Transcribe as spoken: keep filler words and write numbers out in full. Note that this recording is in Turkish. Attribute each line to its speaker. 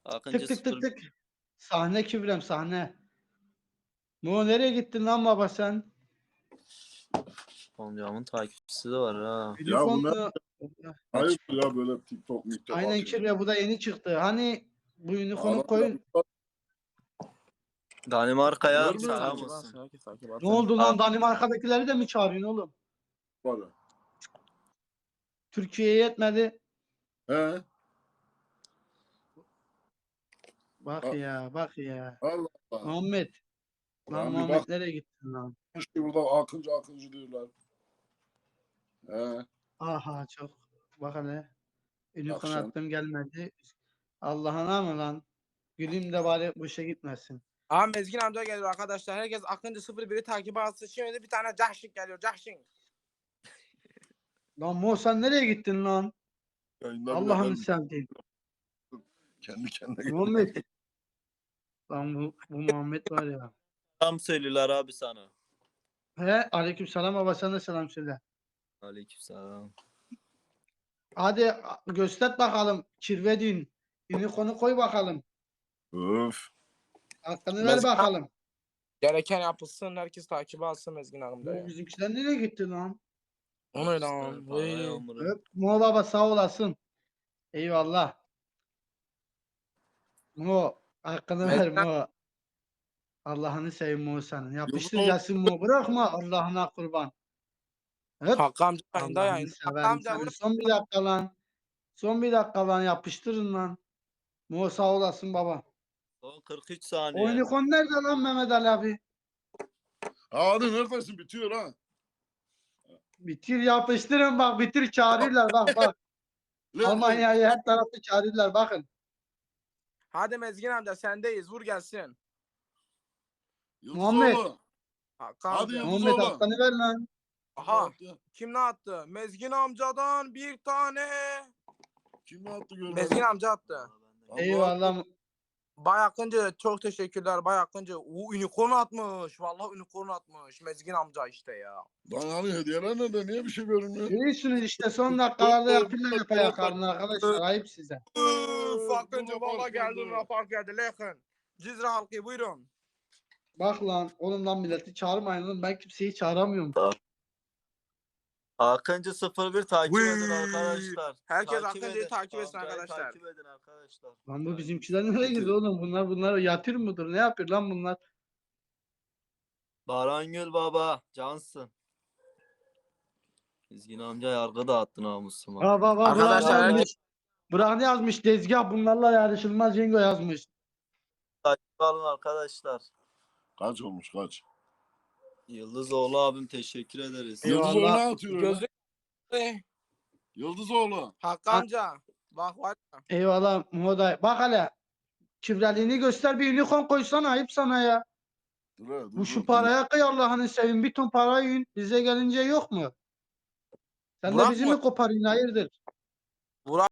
Speaker 1: Akıncı
Speaker 2: Tık tık tık
Speaker 1: sıfır.
Speaker 2: tık. Sahne Kübrem sahne. Mo nereye gittin lan baba sen?
Speaker 1: Amcamın takipçisi de var ha.
Speaker 3: Ya bu ne?
Speaker 2: Unicorn'lu.
Speaker 3: Hayır ya böyle TikTok, TikTok
Speaker 2: Aynen
Speaker 3: atıyor.
Speaker 2: Kübre bu da yeni çıktı. Hani bu unicorn'u
Speaker 3: Adam
Speaker 2: koyun.
Speaker 1: Danimarka'ya
Speaker 3: Görmüyor
Speaker 1: selam
Speaker 3: musun?
Speaker 1: olsun.
Speaker 2: Ne oldu lan? Danimarka'dakileri de mi çağırıyorsun oğlum?
Speaker 3: Para.
Speaker 2: Türkiye'ye yetmedi.
Speaker 3: He?
Speaker 2: Bak
Speaker 3: A-
Speaker 2: ya bak ya.
Speaker 3: Allah Allah.
Speaker 2: Muhammed. Lan
Speaker 3: Lan bir
Speaker 2: Muhammed
Speaker 3: bak
Speaker 2: nereye gittin lan?
Speaker 3: işte burada akıncı akıncı diyorlar. He?
Speaker 2: Aha çok. Bak hele. Unicorn
Speaker 3: Akşam.
Speaker 2: attım gelmedi. Allah'ına mı lan? Gülüm de bari bu işe gitmesin.
Speaker 4: Aha Mezgin amca geliyor arkadaşlar. Herkes Akıncı sıfır biri takip alsın. Şimdi bir tane Cahşin geliyor. Cahşin.
Speaker 2: Lan Mo sen nereye gittin lan?
Speaker 3: Yayında bile
Speaker 2: Allah'ını
Speaker 3: ben
Speaker 2: sevdiğim.
Speaker 3: kendi kendine
Speaker 2: Muhammed. Lan bu, bu Muhammed var ya.
Speaker 1: Selam söylüyorlar abi sana.
Speaker 2: He aleykümselam baba sana da selam söyle.
Speaker 1: Aleykümselam.
Speaker 2: Hadi göster bakalım. Kirvedin. Unicorn'u koy bakalım.
Speaker 3: Öf.
Speaker 2: Hakkını ver
Speaker 4: Mezgin
Speaker 2: bakalım.
Speaker 4: Gereken yapılsın. Herkes takip alsın Mezgin
Speaker 2: Bu
Speaker 4: amcaya.
Speaker 2: bizimkiler nereye gitti lan?
Speaker 4: O ne lan?
Speaker 1: Para
Speaker 4: Vay.
Speaker 1: yağmuru.
Speaker 2: Öp Mo baba sağ olasın. Eyvallah. Mo hakkını ver
Speaker 4: Mezgin
Speaker 2: Mo. Allah'ını seveyim Mo senin. Yapıştır
Speaker 3: Yıldız
Speaker 2: gelsin Mo. Bırakma Allah'ına kurban. Öp.
Speaker 4: Hakkı amca yayında
Speaker 2: Allah'ını
Speaker 4: yayında. Hakkı
Speaker 2: severim
Speaker 4: amca
Speaker 2: seni.
Speaker 4: vur.
Speaker 2: Son bir dakika lan. Son bir dakika lan yapıştırın lan. Mo sağ olasın baba.
Speaker 1: Son kırk üç saniye.
Speaker 2: O unicorn nerede lan Mehmet Ali abi?
Speaker 3: Hadi neredesin bitiyor ha.
Speaker 2: Bitir yapıştırın bak bitir çağırırlar bak bak.
Speaker 3: Ne-
Speaker 2: Almanya'yı her tarafı çağırırlar bakın.
Speaker 4: Hadi Mezgin amca sendeyiz. Vur gelsin.
Speaker 2: Muhammed.
Speaker 3: Yıldızoğlu.
Speaker 4: Hakkı
Speaker 3: Hadi
Speaker 4: amca.
Speaker 3: Yıldız
Speaker 2: Muhammed
Speaker 3: oğlum.
Speaker 2: hakkını ver lan.
Speaker 4: Aha. Kim ne attı? Mezgin amcadan bir tane.
Speaker 3: Kim ne attı görmedim.
Speaker 4: Mezgin amca attı.
Speaker 3: Allah
Speaker 2: Eyvallah.
Speaker 4: Bay Akıncı çok teşekkürler Bay Akıncı. O unicorn atmış. Vallahi unicorn atmış. Mezgin amca işte ya.
Speaker 3: Lan hani hediyeler nerede? Niye bir şey görünmüyor?
Speaker 2: Görüyorsunuz işte son dakikalarda yapıyorlar yapayakarını arkadaşlar. Ayıp size.
Speaker 4: Üf, Akıncı
Speaker 3: Luna
Speaker 4: valla
Speaker 3: Park
Speaker 4: geldi
Speaker 3: geldi.
Speaker 4: Luna Park geldi. Lekın. Cizre halkı buyurun.
Speaker 2: Bak lan oğlum lan milleti çağırmayın lan. Ben kimseyi çağıramıyorum.
Speaker 1: Akıncı sıfır bir takip
Speaker 4: Vıy.
Speaker 1: edin arkadaşlar.
Speaker 4: Herkes
Speaker 1: Takip
Speaker 4: Akıncı'yı
Speaker 1: edin.
Speaker 4: takip etsin
Speaker 1: Amcayı
Speaker 4: arkadaşlar.
Speaker 1: Takip edin arkadaşlar.
Speaker 2: Lan bu bizimkiler nereye gidiyor oğlum? Bunlar bunlar yatır mıdır? Ne yapıyor lan bunlar?
Speaker 1: Barangül baba. Cansın. Dizgin amca yargı dağıttı namusuma.
Speaker 2: Aa bak bak Burak
Speaker 4: Arkadaşlar
Speaker 2: yazmış.
Speaker 4: herkes
Speaker 2: Burak ne yazmış? Tezgah bunlarla yarışılmaz Cengo yazmış.
Speaker 1: Takip alın arkadaşlar.
Speaker 3: Kaç olmuş kaç?
Speaker 1: Yıldızoğlu abim teşekkür ederiz.
Speaker 2: Eyvallah.
Speaker 3: Yıldızoğlu ne atıyor öyle?
Speaker 4: gözlük.
Speaker 3: Yıldızoğlu.
Speaker 4: Hakkı amca. Bak var ya.
Speaker 2: Eyvallah Muhoday. Bak hele. Kübreliğini göster bir unicorn koysana ayıp sana ya.
Speaker 3: Dur, he, dur,
Speaker 2: Bu şu
Speaker 3: dur.
Speaker 2: paraya kıy Allah'ını seveyim. Bir ton para yiyin. Bize gelince yok mu? Sen de
Speaker 4: Burak
Speaker 2: bizi
Speaker 4: mı?
Speaker 2: mi koparıyorsun? Hayırdır?